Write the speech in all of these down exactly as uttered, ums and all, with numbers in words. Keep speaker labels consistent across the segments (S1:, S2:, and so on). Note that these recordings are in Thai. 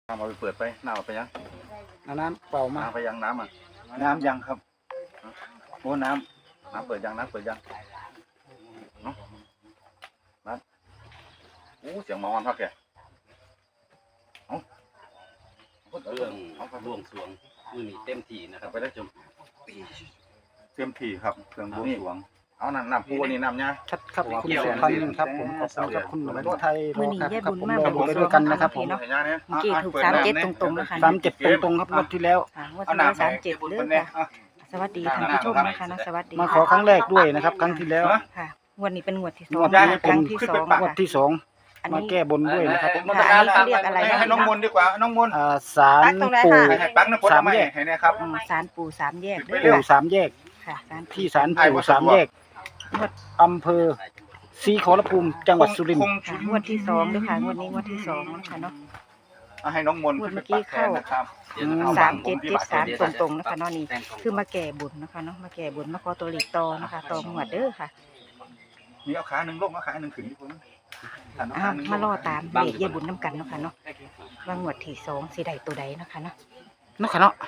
S1: น้ำเอาไปเปิดไปน้ำเอาไปยัง
S2: น้ำเปล่ามา
S1: น้ำไปยังน้ำอ่ะน้ำยังครับโอ้น้ำน้ำเปิดยังน้ำเปิดยังเนาะน้ำโอ้เสียงหมอนพักแกเอา
S3: เรื่องบวงสรวงมือนี้เต็มที่นะครับไปได้จม
S1: เต็มที่ครับเครื่องบวงสรวงเอาน้ำน้ำปูนี่น้ำเนี่ย
S2: ชัดครับคุณสุพรรณครับผมขอบคุณครับคุณหนุ่มไทยรอครับผมรอบุญไปด้วยกันนะครับผม
S4: เมื่อกี้ถูกสามเจ็ดตรงๆแล้วค่ะ
S2: สามเจ็ดตรงๆครับงวดที่แล้ว
S4: งวดที่แล้วสามเจ็ดเรื่องค่ะสวัสดีท่านผู้ชมนะคะนะสวัสดี
S2: มาขอครั้งแรกด้วยนะครับครั้งที่แล้ว
S4: ค่ะงวดนี้เป็นงวดที่สอง
S2: งวดนี้
S4: ครั้งที่สอง
S2: งวดที่สองมาแก้บนด้วยนะครับ
S4: อันนี้เขาเรียกอะไร
S1: ให้น้องมนดีกว่าน้องมน
S2: อ่าศาลปู่
S1: สามแยกให้นะครับ
S4: ศาลปู่สามแยก
S2: ปู่สามแยก
S4: ค่ะ
S2: ที่ศาลปู่สามแยกอำเภอศรีขอรภูมิจังหวัดสุรินทร์
S4: งวดที่สองด้วยค่ะงวดนี้งวดที่สองนะคะเนาะ
S1: ให้น้องมน
S4: เมื่อกี้เข้าสามเจ็ดเจ็ดสามตรงๆนะคะเนาะนี่คือมาแก่บุญนะคะเนาะมาแก่บุญมาขอตัวหลีกตอนะคะตอหมวดเด้อค่ะ
S1: นี่เอาขาหนึ่งลงเอาขาหนึ่งขึ้นที่ผม
S4: อ้าวมาล่อตามเด็กเยี่ยบุญน้ำกันเนาะค่ะเนาะว่างวดที่สองสีใดตัวใดนะคะเนาะ
S2: เนาะค่ะเนาะ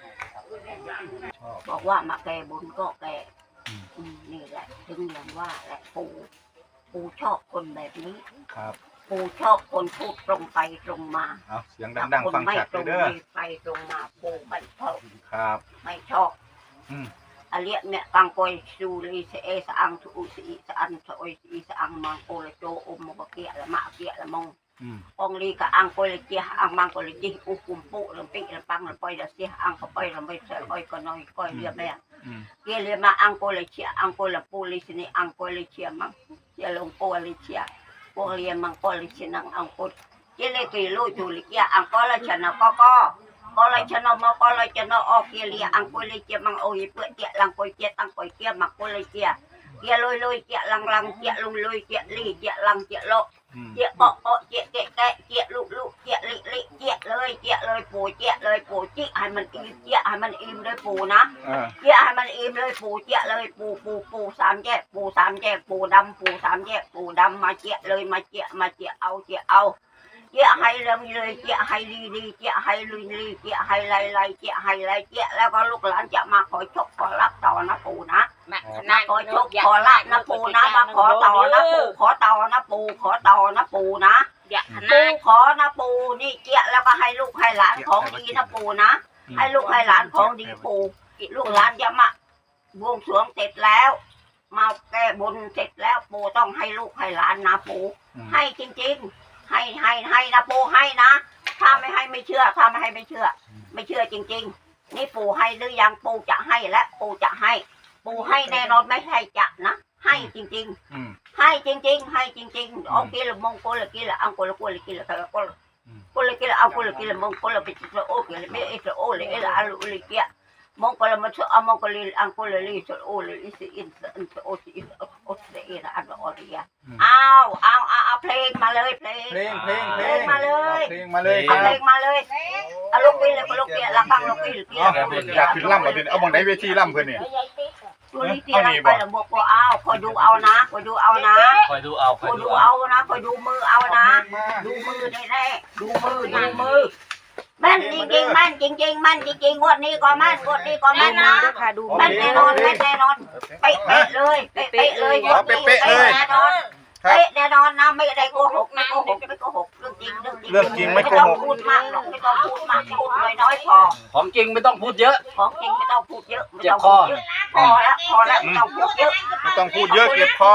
S5: บอกว่ามาแก่บุญก็แก่นี่แหละถึงอย่างว่าแหละปู่ปู่ชอบคนแบบนี้
S1: ครับ
S5: ปู่ชอบคนพูดตรงไปตรงมา
S1: เอาเสียงดังๆฟังชัดเลยเด้อ
S5: ไปตรงมาปู่ไม่ชอบ
S1: ครับ
S5: ไม่ชอบอาเลียเนี่ยกังกอยสูรีเสเอสอังทุสีสอันสอยสีสอังมังโกลโจอมมกเกียละมะเกียละมงองลีกับอังโกลเจียอังมังโกลจีอุกุมปุลำปีลำปังลำปอยลำเสียอังก็ปอยลำไปเสยอ้อยก็น้อยก้อยเรียบแม่เกี่ยเรียมาอังโกลเชียอังโกลปูลิชนีอังโกลเชียมังเกี่ยลงโกลเชียโกเรียมังโกลเชียนังอังโกลเกี่ยเลกีลูจูลิเกียอังโกลชนะก็ก็ก็เลยชนะมาก็เลยชนะออกเกี่ยเรียอังโกลเชียมังโอ้ยเปื่อยเกี่ยลังโกลเชียตั้งโกลเชียมังโกลเชียเกี่ยลอยลอยเกี่ยลังลังเกี่ยลุยลุยเกี่ยลีเกี่ยลังเกี่ยโลเจี๊ยเปาะเปาะเจี๊ยแกะแกะเจี๊ยลุลุเจี๊ยลิลิเจี๊ยเลยเจี๊ยเลยปูเจี๊ยเลยปูจิ๊ให้มันอิ่มเจี๊ยให้มันอิ่มเลยปูนะเจี๊ยให้มันอิ่มเลยปูเจี๊ยเลยปูปูปูสามแยกปูสามแยกปูดำปูสามแยกปูดำมาเจี๊ยเลยมาเจี๊ยมาเจี๊ยเอาเจี๊ยเอาเจี๊ยให้เริ่มเลยเจี๊ยให้ลีลีเจี๊ยให้ลุยลีเจี๊ยให้ไล่ไล่เจี๊ยให้ไล่เจี๊ยแล้วก็ลูกหลานจะมาขอชกขอรับต่อนะปูนะมาขอชกขอรับนะปูนะมาขอต่อนะปูขอต่อนะปูขอต่อนะปูนะปูขอนะปูนี่เจี๊ยแล้วก็ให้ลูกให้หลานของดีนะปูนะให้ลูกให้หลานของดีปูลูกหลานจะมาบวงสรวงเสร็จแล้วมาแก้บนเสร็จแล้วปูต้องให้ลูกให้หลานนะปูให้จริงๆให้ให้ให้นะปูให้นะถ้าไม่ให้ไม่เชื่อถ้าไม่ให้ไม่เชื่อไม่เชื่อจริงๆนี่ปูให้หรือยังปูจะให้และปูจะให้ปูให้แน่นอนไม่ให้จะนะให้จริงๆให้จริงๆให้จริงๆโอเคละมงโกละกิละอังโกละโกละกิละตะโกละโกละกิละอังโกละกิละมงโกละปิจิละโอเกละไม่เอสโอเลยเอละอาลุลิเกียมงโกละมันอามงโกลิอังโกละลิสโอเลยอิสอินอินโอสิอินโอสิเอละอันออริยาอ้าวอ้าวอ้าวเพลงมาเลยเพลง
S1: เพลงเพลงเพลง
S5: มาเลย
S1: เพลงมาเลย
S5: เพลงมาเลยอาลูกกิละลูกกิละฟังลูกกิละ
S1: อยากขึ้นล่ำเหรอเอาบางไหนเวทีล่ำเพื่อนเนี่ย
S5: ตัวนี้ที่เราไปแล้วบอกว่าเอาคอยดูเอานะคอยดูเอานะ
S3: คอยดูเอา
S5: คอยดูเอานะคอยดูมือเอานะดูมือแน่ๆดูมือดูมือแม่นจริงๆแม่นจริงๆแม่นจริงๆงวดนี้ก็แม่นงวดนี้ก็แม่นนะแม่นแน่นอนแม่นแน่นอนเป๊ะๆเลยเป๊ะๆเลยงวดนี้เป๊ะแน่นอนเป๊ะแน่นอนนะไม่ได้โกหกไม่โกหกไม่โกหกเรื่องจริงเรื่องจริง
S1: เรื่องจริงไม่โกหก
S5: พูดมากหรอกไม่ต้องพูดมากพูดน้อยๆพอ
S3: ของจริงไม่ต้องพูดเยอะ
S5: ของจริงไม่ต้องพูดเยอะไม่ต้องพูดเยอะพอแล้วพอแล้วไม่ต้องพูดเยอะ
S1: ไม่ต้องพูดเยอะเก็บคอ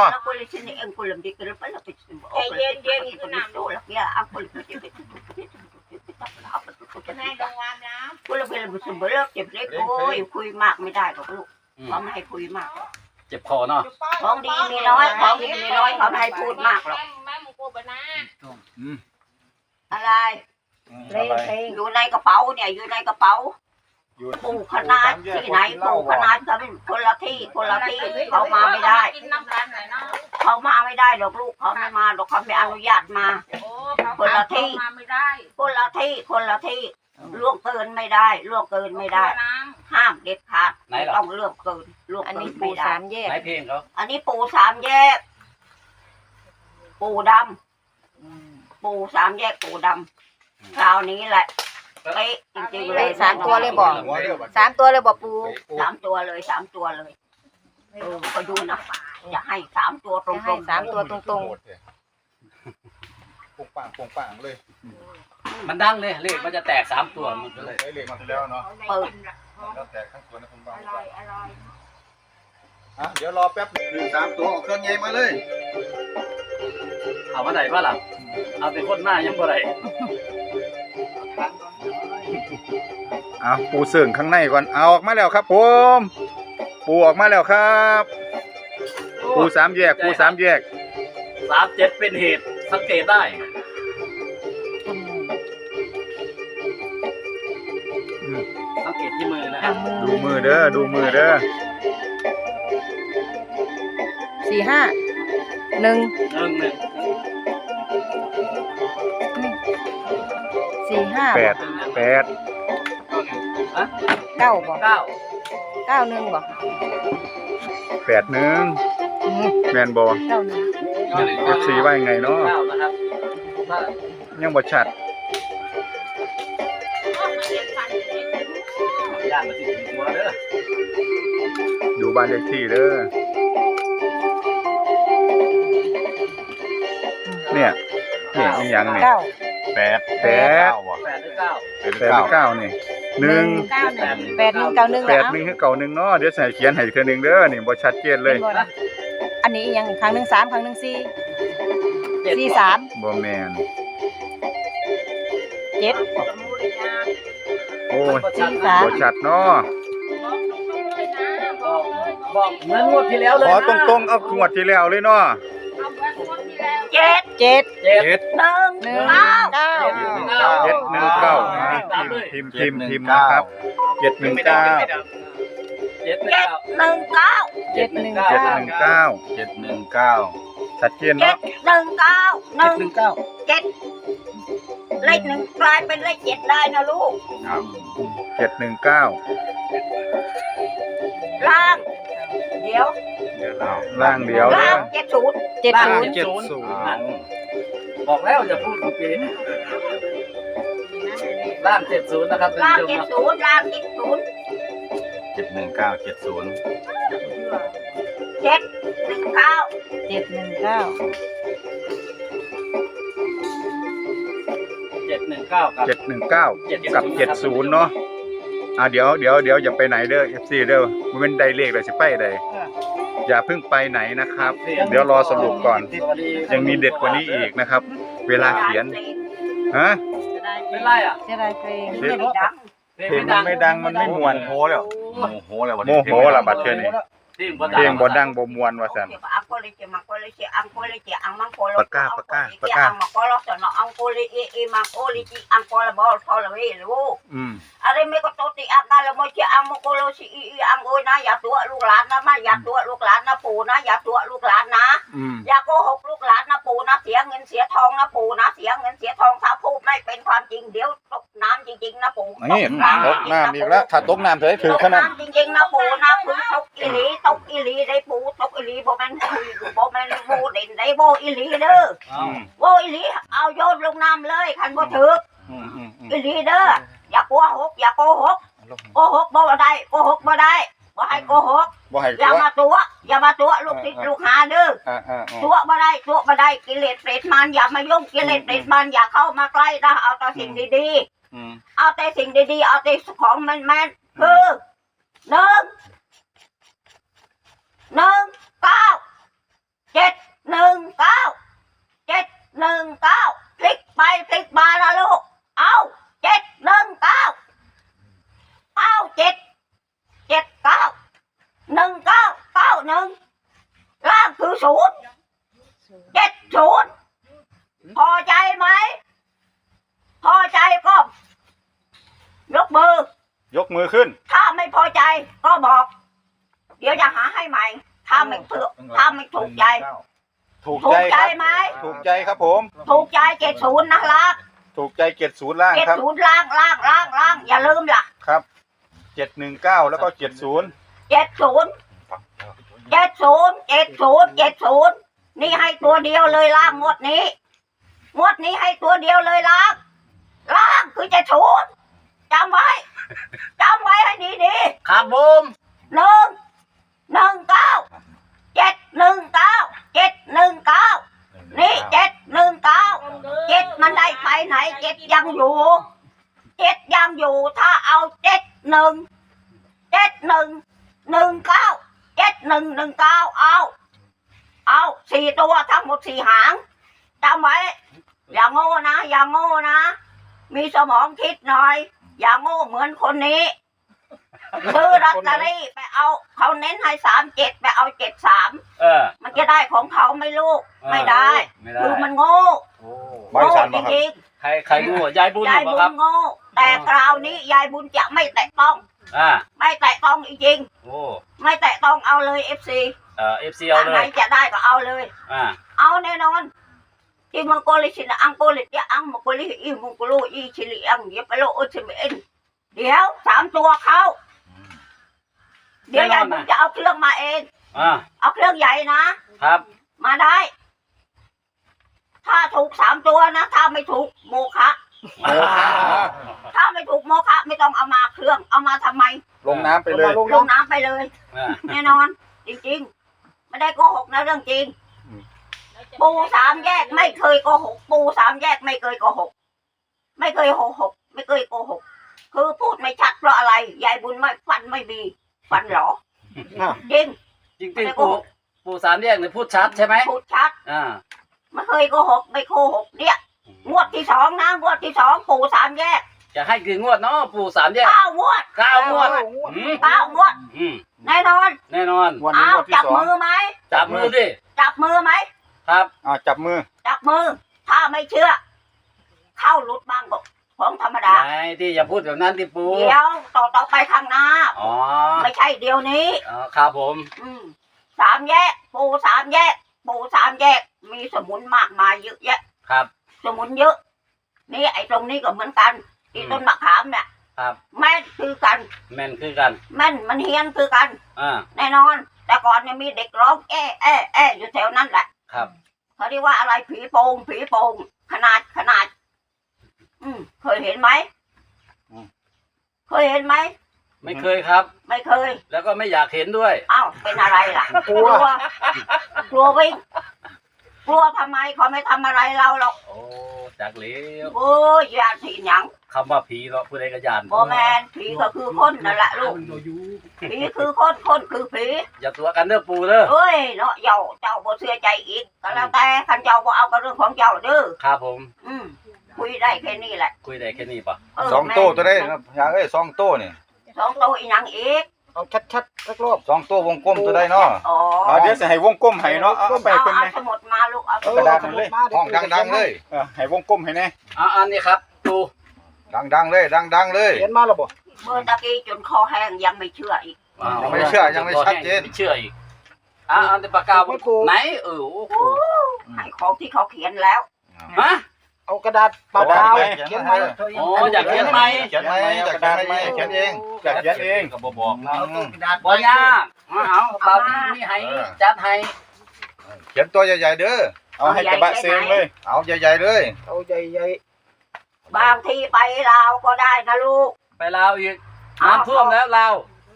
S5: ใจเย็นเย็นขนาดนู้นแล้วเนี่ยอังคุลิปินายดงวามแล้วคุลิปินบุษบเลิกเจ็บเล็กโอ้ยคุยมากไม่ได้หรอกลูกเขาไม่ให้คุยมาก
S3: เจ็บคอเนาะ
S5: ของดีมีน้อยของดีมีน้อยเขาไม่ให้พูดมากหรอกอะไรอยู่ในกระเป๋าเนี่ยอยู่ในกระเป๋าปูขนาดที่ไหนปูขนาดก็เป็นคนละที่คนละที่เขามาไม่ได้เขามาไม่ได้หรอกลูกเขาไม่มาหรอกเขาไม่อนุญาตมาคนละที่คนละที่คนละที่ล่วงเกินไม่ได้ล่วงเกินไม่ได้ห้ามเด็ดขาดต้องเลือกเกินล่วงเกินไม่ได้
S3: ไหนเพลงเขา
S5: อันนี้ปูสามแยกปูดำปูสามแยกปูดคราวนี้แหละเป๊ะจริงๆเลย
S4: สามตัวเลยบอกสามตัวเลยบอกปู
S5: สามตัวเลยสามตัวเลยเออก็ดูนะอย่าให้สามตัวตร
S4: จะให้
S5: ง
S4: สามตัวตรง
S2: ปุงปังปุงปังเลย
S3: มันดังเลยเลขมันจะแตกสามตัวมันก็เลย
S2: ใช้เหล็กมาแล้วเนาะ
S5: ๆเปิด
S2: แล้วแต่ทั้งสวนนะปุงปัง
S5: อร่อยอร่อย
S2: อ่ะเดี๋ยวรอแป๊บหนึ่งสามตัวเอาเครื่องใหญ่มาเลย
S3: เอามาไหนบ้างล่ะเอาเป็นคนหน้ายังบ่ได้
S1: เอาปูเสื่องข้างในก่อนเอาออกมาแล้วครับผมปูออกมาแล้วครับปูสามแยกปูสามแยก
S3: สามเจ็ดเป็นเหตุสังเกตได้ สังเกตที่มือนะครับ
S1: ดูมือเด้อดูมือเด้อ
S4: สี่ห้าหนึ่ง
S3: หนึ่งหนึ่ง
S4: สี่ห้า
S1: แปดแปด
S3: ฮะ
S4: เก้าบอก
S3: เก้า
S4: เก้าหนึ่งบอก
S1: แปดหนึ่ง
S4: อืม
S1: แมนบอ
S4: เก้าหนึ่ง
S1: เอฟซีว่ายังไงเนาะ
S3: เก้านะครับถ้า
S1: ยังบ่ชัด
S3: ย่านมาที่ถึงตัวเด้อ
S1: ดูบ้านเลขที่เด้อเนี่ยเนี่ยอีหยังเนี่ย
S4: เก้า
S1: แปดแปด
S3: แปดหรือเก้า
S1: แปดหรือเก้านี่หนึ่ง
S4: เก้าหนึ่งแปดหนึ่งเก้าหนึ่ง
S1: แปด
S4: แล้ว
S1: หนึ่งคือเก่าหนึ่งเนาะเดี๋ยวใส่เขียนให้อีกเทื่อหนึงเด้อนี่บ่ชัดเจนเลย
S4: อันนี้อีกอยังครั้งหนึ่งสามครั้งหนึ่งสี่
S3: เจ็ด
S4: สี่สาม
S1: บ่แม่น
S4: เจ็ด
S1: โอ้ย
S4: สี่สาม
S1: บ่ชัดเนาะ
S3: บอกบอกเหมือนงวดที่แล้วเลย
S1: ขอ
S3: นะ
S1: ตรงๆเอาขวดที่แล้วเลยเนาะ
S5: เจ็ด
S4: เจ็ด
S3: เจ็ด
S1: เจ็ด
S5: หนึ่ง
S4: หนึ่ง
S5: เก้า
S4: เก้า
S1: เจ็ดหนึ่งเก้าพิมพ์พิมพ์พิมพ์นะครับเจ็ดหนึ่งเก้า
S3: เจ็ดหนึ่ง
S5: เจ็ด
S3: เก้า
S5: หนึ่งเก้า
S4: เจ็ดหนึ่ง
S1: เจ็ด
S4: เก้า
S1: หนึ่งเก้า
S3: เจ็ดหนึ่งเก้า
S1: ชัดเจน
S5: เจ็
S1: เนาะ
S5: ดหนึ่งเก้าหนึ่ง
S2: หนึ่งเก้า
S5: เจ็ดเลขหนึ่งกลายเป็นเลขเจ็ดได้นะลูก
S1: เจ็ดหนึ่งเก้า
S5: ล่าง เดี๋ยว
S1: ล่างเดียว
S5: ล่า
S1: เด้
S5: ง
S1: อ
S5: เจ็ดศูนย์
S4: เจ็ดศูนย์
S3: เจ็ดศูนย์บอกแล้วอย่าพูดเมื่อกี้ล่างเจ็ดศูนย์นะครับท่าน
S5: ล่าง
S3: ผู้ช
S5: เจ็ด
S3: ม
S5: ศูนย์ล่างเจ็ดศูนย์
S1: เจ็ดหนึ่งเก้าเจ็ดศูนย์
S5: เจ็ดหนึ่งเก้า
S4: เจ็ดหนึ่งเก้า
S3: เจ็ดหนึ่งเก้ากับ
S1: เจ็ดหนึ่งเก้า
S3: เจ็ด
S1: กับเจ็ดศูนย์เนาะอ่าเดี๋ยวเดี๋ยวเดี๋ยวอย่าไปไหนเด้อ เอฟ ซี เด้อมันเป็นไดเลขเลยสิไปใดอย่าเพิ่งไปไหนนะครับ เดี๋ยวรอสรุปก่อน
S3: สวัสดี
S1: ยังมีเด็ดกว่านี้อีกนะครับ เวลาเขียนฮะ
S3: เป็นไรอ่ะ
S4: เสียดายเพลง
S5: เพลงไม่ดัง
S1: เพลงมันไม่ดังมันไม่มวนโหแล้ว
S3: โมโหแล้ว
S1: โมโหละบัดเทื่อนี้
S3: ที่
S1: เพลงบ่ดังบ่มวนว่าซั่น
S5: อังโกลิเจมังโกลิเจอังโกลิเจอังมังโกลิ
S1: ปากกาปากกาปากกา
S5: อังมังโกลิสนอังโกลิเอเอมังโกลิจิอังโกลิบอลทอลเวลู
S1: อืม
S5: อะไรไม่ก็โตติอังกาลโมเจอังมังโกลิสิอีอังโอยนะอย่าตัวลูกหลานนะมาอย่าตัวลูกหลานนะปู่นะอย่าตัวลูกหลานนะ
S1: อืม
S5: อย่าโกหกลูกหลานนะปู่นะเสียเงินเสียทองนะปู่นะเสียเงินเสียทองถ้าพูดไม่เป็นความจริงเดี๋ยวตกน้ำจริงๆนะปู่
S1: นี่ตกน้ำอีกแล้วถ้าตกน้ำเถอะถือ
S5: ตก
S1: ขนาด
S5: น้ำจริงๆนะปู่นะคือตกอีหลีตกอีหลีได้ปู่ตกอีหลีบ่แม่นคุยบ่แม่นโบเด่นได้โบอีหลีเด้อ
S1: อืม
S5: โบอีหลีเอาโยนลงน้ำเลยคันบ่ถึก
S1: อืมอืมอืม
S5: อีหลีเด้ออย่าโกหกอย่าโกหกโกหกบ่ได้โกหกบ่ได้บ่ให้โกหก
S1: บ่ให้
S5: อย่า
S1: ตัว
S5: มาตัวอย่ามาตัวลูกศิษย์ลูกหาเด้อ
S1: อ่าอ่าอ่า
S5: ตัวบ่ได้ตัวบ่ได้กิเลสเปรตมารอย่ามายุ่งกิเลสเปรตมารอย่าเข้ามาใกล้นะเอาแต่สิ่งดี
S1: อืม
S5: ๆเอาแต่สิ่งดีๆเอาแต่ของแม่นๆคือหนึ่งหนึ่งเก้าเจ็ดหนึ่งเก้าเจ็ดหนึ่งเก้าพลิกไปพลิกมานะลูกเอาเจ็ดหนึ่งเก้าเอาเจ็ดเจ็ดเก้าหนึ่งเก้าเก้าหนึ่งล่างคือศูนย์เจ็ดศูนย์พอใจไหมพอใจก็ยกมือ
S1: ยกมือขึ้น
S5: ถ้าไม่พอใจก็บอก เดี๋ยวจะหาให้ใหม่ ถ้าไม่ถูกถ้าไม่ถูกใจ
S1: ถูก
S5: ถู
S1: ใจ
S5: กใจ
S1: ครับ
S5: ไหม
S1: ถูกใจครับผม
S5: ถูกใจเจ็ดศูนย์นะล่าง
S1: ถูกใจเจ็ดศูนย์ล่าง
S5: เจ็ด
S1: ครับ
S5: ศูนย์ล่างล่างล่างล่างอย่าลืมล่ะ
S1: ครับเจ็ดหนึ่งเก้าแล้วก็เจ็ดศูนย์
S5: เจ็ดศูนย์เจ็ดศูนย์เจ็ดศูนย์เจ็ดศูนย์นี่ให้ตัวเดียวเลยล่างงวดนี้งวดนี้ให้ตัวเดียวเลยล่างล่คือจะชูดจำไว้จำไว้ให้ดี
S3: ครับผม
S5: ๆหนึ่งหนึ่งเก้าเจ็ดหนึ่งเก้าเจ็ดหนึ่งเก้านี่เจ็ดหนึ่งเก้าเจ็ดมันได้ไปไหนเจ็ดยังอยู่เจ็ดยังอยู่ถ้าเอาเจ็ดหนึ่งเจ็ดหนึ่งหนึ่งเก้าเจ็ดหนึ่งหนึ่งเก้าเอาเอาสี่ตัวทั้งหมดสี่หางจำไว้อย่าโง่นะอย่าโง่นะมีสมองคิดหน่อยอย่าโง่เหมือนคนนี้ซื้อลอตเตอรี่ไปเอาเขาเน้นให้สามเจ็ดไปเอาเจ็ดสาม
S3: เออ
S5: มันจะได้ของเขาไหม่ลูกไม่ได้
S3: ไม่ได้
S5: คือมันโง่
S3: โอ้
S1: บริ
S5: โง่
S1: ษัท
S5: จ
S1: บ่ครับ
S5: ริง
S3: ใครใครรู้ยายบุญ
S5: ๆยาย
S3: บ่
S5: บุ
S3: ครั
S5: ญ
S3: บ
S5: โง่แต่คราวนี้ยายบุญจะไม่แตะต้อง
S3: อ่า
S5: ไม่แตะต้องจริง
S3: โอ้
S5: ๆไม่แตะต้องเอาเลยเอฟซี
S3: เอ่อ เอฟ ซี เอาเล
S5: ไหน
S3: ย
S5: จะได้ก็เอาเลย
S3: อ่า
S5: เอาแน่นอนที่มังโกลิชินอังโกลิเตียอังมังโกลิอีมังโกโลอีชิลิอังเยปโลอุชิเมนเดี๋ยวสามตัวเขาเดี๋ยวยายบุญจะเอาเครื่องมาเอง
S3: อ่า
S5: เอาเครื่องใหญ่นะ
S3: ครับ
S5: มาได้ ถ้าถูกสามตัวนะ ถ้าไม่ถูกโมฆะ
S1: โอ้ครับ
S5: ถ้าไม่ถูกโมฆะไม่ต้องเอามาเครื่อง เอามาทำไม
S1: ลงน้ำไปเลย
S2: ลง
S5: ลง
S2: น้
S5: น้ำไปเลย
S3: อ่า
S5: แน่นอน จริงๆ ไม่ได้โกหกนะเรื่องจริง
S1: อืม
S5: ปูสามแยกไม่เคยโกหก ปูสามแยกไม่เคยโกหก ไม่เคยโกหก ไม่เคยโกหก คือพูดไม่ชัดเพราะอะไร ยายบุญไม่ฟันไม่มี ฟันเหรอ
S2: อ่ะ
S5: จริง
S3: จริงๆปู่ปู่สามแยกเนี่ยพูดชัดใช่ไหม
S5: พูดชัด
S3: อ่า
S5: ไม่เคยโกหก ไม่โกหกเนี่ย งวดที่สองนะ งวดที่สองปูสามแยก
S3: จะให้กี่งวดเนาะปู่สามแยก
S5: เก้างวด
S3: เก้างวด
S2: ำ
S3: อืม
S5: เก้างวด
S3: อืม
S5: แน่นอน
S3: แน่นอน
S1: วันนี้
S5: เอา
S1: วันที่
S5: จับ
S1: สอง
S5: มือไหม
S3: จับมือดิ
S5: จับมือไหม
S3: ครับ
S1: อ่าจับมือ
S5: จับมือ ถ้าไม่เชื่อ เข้าหลุดบ้างบอกของธรรมดา
S3: ไหนที่อย่าพูดแบบนั้นที่ปู่
S5: เดี๋ยวต่อต่อไปข้างหน้า
S3: อ๋อ
S5: ไม่ใช่เดี๋ยวนี้
S3: อ๋อครับผม
S5: อืมสามแยก ปูสามแยก ปูสามแยก มีสมุนมากมายเยอะแยะ
S3: ครับ
S5: สมุนเยอะ นี่ไอ้ตรงนี้ก็เหมือนกันที่ต้นมะขามเนี่ย
S3: ครับ
S5: แม่นคือกัน
S3: แม่นคือกัน
S5: แม่นมันเฮียนคือกัน
S3: อ่า
S5: แน่นอน แต่ก่อนเนี่ยมีเด็กร้องแอ้แอ้แอ้อยู่แถวนั้นแหละ
S3: ครับ
S5: เขาเรียกว่าอะไรผีโปงผีโปงขนาดขนาด อืมเคยเห็นไหม
S1: อืม
S5: เคยเห็นไหม
S3: ไม่เคยครับ
S5: ไม่เคย
S3: แล้วก็ไม่อยากเห็นด้วย
S5: อ้าวเป็นอะไรล่ะ กลัว กลัววิ่งกลัวทำไมเขาไม่ทำอะไรเราหรอก
S3: โอ้จากเหลี้ยว
S5: โอ้ยยานผีหยัง
S3: คำว่าผีเนาะผู้ใดก็ยาน
S5: โบแมนผีก็คือคนนั่นแหละลูกผีคือคนคนคือผี
S3: อย่าตัวกันเด้อปู่เด้อ
S5: เอ้ยเนาะเจ้าเจ้าบ่เชื่อใจอีกก็แล้วแต่คันเจ้าบ่เอาก็เรื่องของเจ้าเด้อ
S3: ครับผม
S5: อืมคุยได้แค่นี้แหละ
S3: คุยได้แค่นี้ปะ
S5: เออ
S1: สอง
S5: แม่
S1: โต้ตัวได้ครับอยากเอ้ยสองโต้นี่
S5: สองตัวอีหยังอีก
S2: เอาชัดๆสักรอบ
S1: สองโต้วงกลมตัวได้เนาะ
S5: อ๋อ
S6: อ๋อเดี๋ยวจะให้วงกลมให้เนาะเอาเอาไป
S5: เอา
S6: เพิ่น
S5: เอา
S6: แหน่
S5: สมุดมาลูกเอา
S6: เออกระดาษมันเลย
S1: ห้องดังๆเลย
S6: เออให้วงกลมให้แน่
S3: อ่าอันนี้ครับปู่
S1: ดังๆเลย ดังๆเลย
S2: เขียนมาแล้วบ่
S5: เมื่อตะกี้จนคอแห้งยังไม่เชื่ออีก
S3: อ้าว
S1: ยังไม่เชื่อยังไม่ชัดเจน
S3: ไม่เชื่ออีกอ่าอันนี้ปากกาไหนเออโอ้โห
S5: ให้ของที่เขาเขียนแล้ว
S3: ฮะ
S2: เอากระดาษเปล่าๆเขียนไหม
S3: อ๋ออยากเขียนไหม
S1: เขียนไหมอยากเขียนไหมเขียนเอง
S6: อยากเขียนเอง
S1: ก็บ่บอกนะ
S3: บ่ยากเอาเอาที่นี่ให้จัดให้
S1: เขียนตัวใหญ่ๆเด้อ
S6: เอาให้กระบะเซงเลย
S1: เอาใหญ่ๆเลย
S2: เอาใหญ่
S5: บางทีไปลาวก็ได้นะลูก
S3: ไปลาวอีกน้ำท่วมแล้วลาว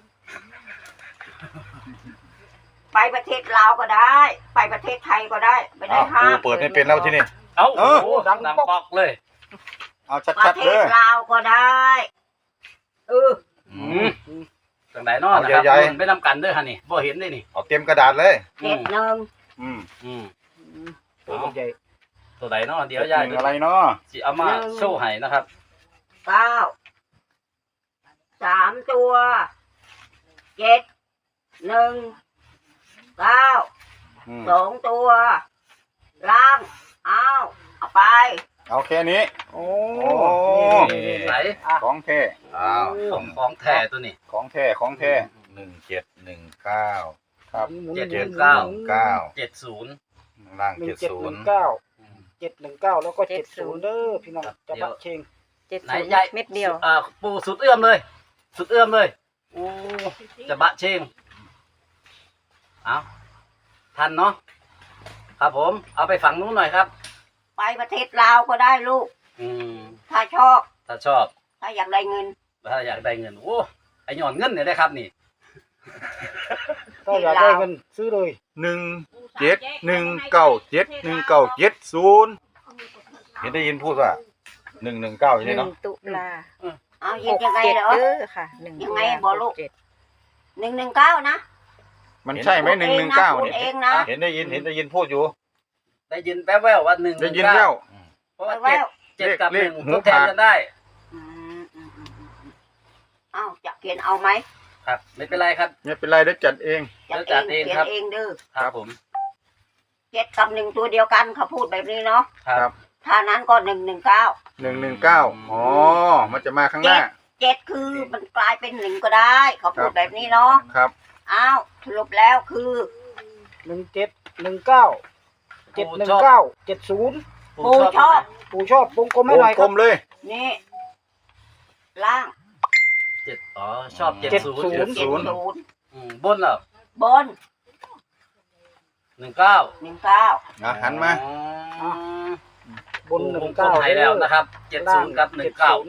S5: ไปประเทศลาวก็ได้ ไปประเทศไทยก็ได้ไม่ได้
S1: อ้าว
S5: ห้า
S1: กู
S5: ม
S1: เปิดไม่เป็นแล้วที่นี่
S3: เอ้า
S6: เอ
S3: โอ้
S6: อ
S3: โหดังปอกเลย
S6: เอา
S5: ประ
S6: ชัด
S5: เท
S6: ๆเด้
S5: ศ
S6: อ
S5: ลาวก็ได้เออ
S3: อืมจังไหนเนอนะครับ
S1: ใหญ่ๆ
S3: มันไม่นำกันเด้อฮะนี่บ่เห็นได้นี่
S1: เอาเต็มกระดาษเลย
S5: เจ็ดหนึ่ง
S6: อืม
S3: อืม
S2: ๆตัวใหญ่
S3: ตัวไหนเนาะเดี๋ยว
S6: เดี๋
S3: ยาย
S6: อะไรเนาะ
S3: สิเอามาโชว์ให้นะครับ
S5: เก้าสามตัวเจ็ดหนึ่งเก้า
S6: อืม
S5: สองตัวล่างเอาเอาไป
S6: เอาแค่นี้
S2: โอ้
S6: โอ้
S3: ไหน
S6: ของแท้
S1: อ้าว
S3: ของของแท้ตัวนี้
S6: ของแท้ของแท้
S1: หนึ่งเจ็ดหนึ่งเก้า
S6: ครับ
S3: เจ็ดเจ็ดเก้า
S1: เก้า
S3: เจ็ดศูนย์
S1: ล่าง
S2: หนึ่
S1: เจ็
S2: ง
S1: ด
S2: เจ็ด
S1: ศู
S2: ห
S1: น
S2: นึ่
S1: ย์
S2: งเก้าเจ็ดหนึ่งเก้าแล้วก็เจ็ดศูนย์เด้อพี่น้องจะบักเชง
S4: เจ็ด
S3: ไหน
S4: ศูนย์
S3: ยาย
S4: เม็ดเดียว
S3: อ่าปูสุดเอื้อมเลย สุดเอื้อมเลยโอ้จะบะเชงเอาทันเนาะครับผมเอาไปฝั่งนู้นหน่อยครับ
S5: ไปประเทศลาวก็ได้ลูก
S3: อืม
S5: ถ้าชอบ
S3: ถ้าชอบ
S5: ถ้าอยากได้เงิน
S3: ถ้าอยากได้เงินโอ้ไอหย่อนเงินเนี่ยได้ครับนี่
S2: ก็อยากได้เงินซื้อเลย
S6: หนึ่งเจ็ดหนึ่งเก้าเจ็ดหนึ่งเก้าเจ็ดศูนย์เห็นได้ยินพูดว่าหนึ่งหนึ่งเก้าอย่าง
S4: ห
S6: นี้
S4: นึ่ง
S6: เนาะ
S4: ตุลา
S5: เอา
S4: ห
S5: ยิน
S4: ก
S5: ยังไง
S4: เจ็ด
S5: เหรอ
S4: เด้อค่ะหนึ่ง
S5: ยังไง
S4: ตุลา
S5: บอกลูก
S4: หเจ็ด
S5: หนึ่งหนึ่งเก้านะ
S6: มันใช่ไหมหนึ่งหนึ่งเก้า
S5: พูด
S6: เนี่ย
S5: เองนะ
S6: เห็นได้ยินเห็นได้ยินพูดอยู่
S3: ได้ยินแป๊บแววว่าหนึ่ง
S6: ได้ยินแล้ว
S3: เพราะว่า
S5: แว
S3: เจ็ด
S5: ว
S3: เจ็ดกับ
S6: เล
S3: ห
S6: ข
S3: นึ่ง
S6: หู
S3: ทดแทน
S6: ขาด
S3: กันได้
S5: อืมอืมอืมอืมอืมอ้าวจะเขียนเอาไหม
S3: ครับ ไม่เป็นไรครับ
S6: ไม่เป็นไรเดี๋ยวจัดเอง
S5: จัด
S3: จัด
S5: เอ
S3: เอง ง
S5: เขีย
S3: ครั
S5: น
S3: บ
S5: เองเด้อ
S3: ครับผม
S5: เจ็ดกับหนึ่งตัวเดียวกันเขาพูดแบบนี้เนาะ
S3: ครับ
S5: ถ้านั้นก็หนึ่งหนึ่งเก้า
S6: หนึ่งหนึ่งเก้าอ๋อมันจะมาข้างหน้า
S5: เจ็ดคือมันกลายเป็นหนึ่งก็ได้ เขาพูดแบบนี้เนาะ
S6: ครับ
S5: อ้าวสรุปแล้วคือ
S2: หนึ่งเจ็ดหนึ่งเก้าเจ็ดหนึ่งเก้าเจ็ดศูนย์
S5: ปูชอบ
S2: ปู่ชอบวงกลมให้
S6: ว
S2: หน่
S6: ง
S2: อยค
S6: กล
S2: รับ
S6: มเลย
S5: นี่ล่าง
S3: เจ็ดอ๋อชอบเจ็ดศูนย์
S2: เจ็ดศู
S5: เจ็ด
S2: นย์
S5: ศูนย์
S3: อืมบนเหรอบ
S5: น
S3: หนึ่งเก้า
S5: หนึ่งเก้า
S6: อ่ะหันมา
S3: อ๋อบ
S2: นหนึ่
S3: ว
S2: ง
S3: งกล
S2: เก้าม
S3: ไทยแล้วนะครับเจ็ดศูนย์กับหนึ่งเก้า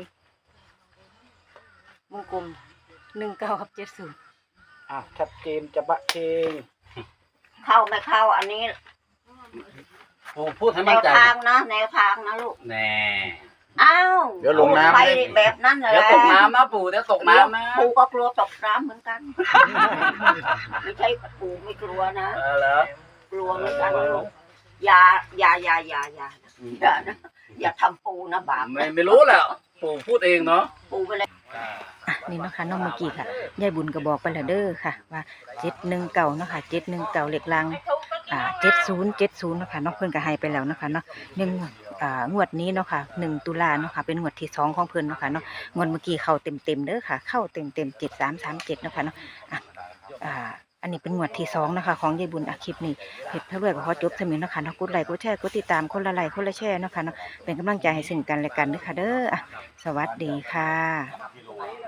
S4: วงกลมหนึ่งเก้ากับเจ็ดศูนย์
S2: อ่ะชัดเจนจะบะเชง
S5: เข้าไม่เข้าอันนี้
S3: ปู่พูดให้
S5: แน
S3: มั่น
S5: ว
S3: ใจ
S5: ทางนะแนวทางนะลูก
S3: แน่
S5: อ้าว
S6: เดี๋ยวลงน้ำ
S5: ไปแบบนั้นเลย
S3: เดี๋ยวตกน้ำนะปู่เดี๋ยวตกน้ำนะ
S5: ปู่ก็กลัวตกน้ำเหมือนกัน ไม่ใช่ปู่ไม่กลัวนะ
S3: เออแล้ว
S5: กลัวเหมือนกันลูกอย่าอย่าอย่าอย่าอย่าอย่านะอย่าทำปู่นะบาป
S3: ไม่ไม่รู้แหละปู่พูดเองเนาะ
S5: ปู่ไปเลย
S4: อ่ะนี่เนาะคะน้องเมื่อกี้ค่ะยายบุญก็บอกไปแล้วเด้อค่ะ ว่าเจ็ดหนึ่งเก่าเนาะค่ะเจ็ดหนึ่งเก่าเหล็กลังอ่าเจ็ดศูนย์เจ็ดศูนย์เนาะค่ะน้องเพิ่นก็ให้ไปแล้วเนาะค่ะเนาะหนึ่งอ่างวดนี้เนาะค่ะหนึ่งตุลาเนาะค่ะเป็นงวดที่สองของเพิ่นเนาะค่ะเนาะงวดเมื่อกี้เข้าเต็มเต็มๆเด้อค่ะ เข้าเต็มเต็มเจ็ดสามสามเจ็ดเนาะค่ะเนาะอ่ะอ่าอันนี้เป็นงวดที่สองนะคะของยายบุญอาคลิปนี้เพจพระรวยก็ขอจบเท่านี้เนาะค่ะเนาะกดไลค์กดแชร์กดติดตามคนละไลค์คนละแชร์เนาะค่ะเนาะเป็นกำลังใจให้ซึ่งกันและกันเด้อค่ะเด้ออ่ะสวัสดีค่ะ